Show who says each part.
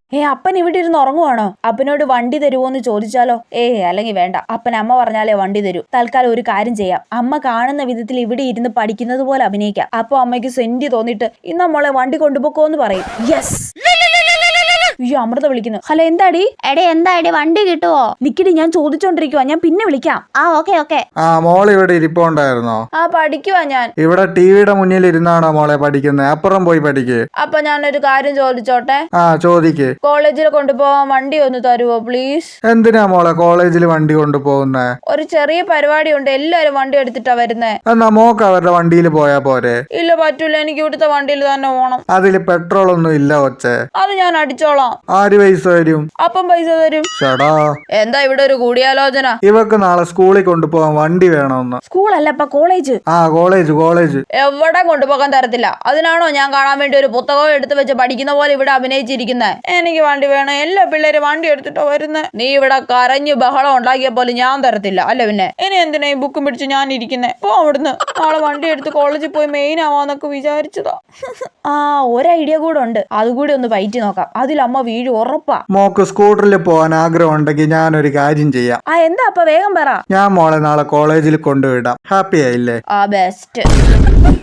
Speaker 1: അപ്പൻ ഇവിടെ ഇരുന്ന് ഉറങ്ങുവാണോ? അപ്പനോട് വണ്ടി തരുമോന്ന് ചോദിച്ചാലോ? അല്ലെങ്കിൽ വേണ്ട. അപ്പൻ അമ്മ പറഞ്ഞാലേ വണ്ടി തരൂ. തൽക്കാലം ഒരു കാര്യം ചെയ്യാം. അമ്മ കാണുന്ന വിധത്തിൽ ഇവിടെ ഇരുന്ന് പഠിക്കുന്നത് പോലെ അഭിനയിക്കാം. അപ്പൊ അമ്മയ്ക്ക് സെന്റ് തോന്നിട്ട് ഇന്ന് മോളെ വണ്ടി കൊണ്ടുപോക്കോന്ന് പറയും. യെസ്. അയ്യോ, അമൃത വിളിക്കുന്നു. ഹലോ, എന്താടി?
Speaker 2: എന്താടി വണ്ടി കിട്ടുവോ?
Speaker 1: നിക്കടി, ഞാൻ ചോദിച്ചോണ്ടിരിക്കുവാ. ഞാൻ പിന്നെ വിളിക്കാം.
Speaker 2: ഓക്കെ.
Speaker 3: മോൾ ഇവിടെ ഇരിപ്പുണ്ടായിരുന്നോ?
Speaker 1: പഠിക്കുവാ ഞാൻ.
Speaker 3: ഇവിടെ ടിവിയുടെ മുന്നിൽ ഇരുന്നാണോ മോളെ പഠിക്കുന്നത്? അപ്പുറം പോയി പഠിക്ക്.
Speaker 1: അപ്പൊ ഞാനൊരു കാര്യം ചോദിച്ചോട്ടെ?
Speaker 3: ചോദിക്ക്.
Speaker 1: കോളേജിൽ കൊണ്ടുപോവാൻ വണ്ടി ഒന്ന് തരുവോ പ്ലീസ്?
Speaker 3: എന്തിനാ മോളെ കോളേജിൽ വണ്ടി കൊണ്ടുപോകുന്നേ?
Speaker 1: ഒരു ചെറിയ പരിപാടി ഉണ്ട്, എല്ലാരും വണ്ടി എടുത്തിട്ടാ വരുന്നേ.
Speaker 3: എന്നാ മോക്ക് അവരുടെ വണ്ടിയിൽ പോയാ പോരെ?
Speaker 1: ഇല്ല, പറ്റൂല. എനിക്ക് ഇവിടുത്തെ വണ്ടിയിൽ തന്നെ പോണം.
Speaker 3: അതില് പെട്രോൾ ഒന്നും ഇല്ല ഒച്ചേ.
Speaker 1: അത് ഞാൻ അടിച്ചോളാം.
Speaker 3: ആര് പൈസ തരും?
Speaker 1: അപ്പം പൈസ തരും.
Speaker 3: ഷടാ,
Speaker 1: എന്താ ഇവിടെ ഒരു കൂടിയാലോചന?
Speaker 3: ഇവക്ക് നാളെ സ്കൂളിൽ കൊണ്ടുപോകാൻ വണ്ടി വേണമെന്ന്.
Speaker 1: സ്കൂളല്ല, കോളേജ്.
Speaker 3: കോളേജ്.
Speaker 1: എവിടെ കൊണ്ടുപോകാൻ തരത്തില്ല. അതിനാണോ ഞാൻ കാണാൻ വേണ്ടി ഒരു പുസ്തകം എടുത്ത് വെച്ച് പഠിക്കുന്ന പോലെ ഇവിടെ അഭിനയിച്ചിരിക്കുന്നേ? എനിക്ക് വണ്ടി വേണം. എല്ലാ പിള്ളേരും വണ്ടി എടുത്തിട്ടോ വരുന്നേ. നീ ഇവിടെ കരഞ്ഞു ബഹളം ഉണ്ടാക്കിയ പോലെ ഞാൻ തരത്തില്ല. അല്ല പിന്നെ ഇനി എന്തിനാ ഈ ബുക്കും പിടിച്ച് ഞാൻ ഇരിക്കുന്നേ? പോ അവിടുന്ന്. നാളെ വണ്ടി എടുത്ത് കോളേജിൽ പോയി മെയിൻ ആവാന്നൊക്കെ വിചാരിച്ചതാ. ഒരു ഐഡിയ കൂടെ ഉണ്ട്. അതുകൂടി ഒന്ന് പയറ്റി നോക്കാം. അതിൽ അമ്മ വീഴും ഉറപ്പാ.
Speaker 3: മോക്ക് സ്കൂട്ടറിൽ പോകാൻ ആഗ്രഹം ഉണ്ടെങ്കിൽ ഞാനൊരു കാര്യം ചെയ്യാം.
Speaker 1: എന്താ? അപ്പൊ വേഗം പറ.
Speaker 3: ഞാൻ മോളെ നാളെ കോളേജിൽ കൊണ്ടുവിടാം. ഹാപ്പി ആയില്ലേ?
Speaker 1: ബെസ്റ്റ്.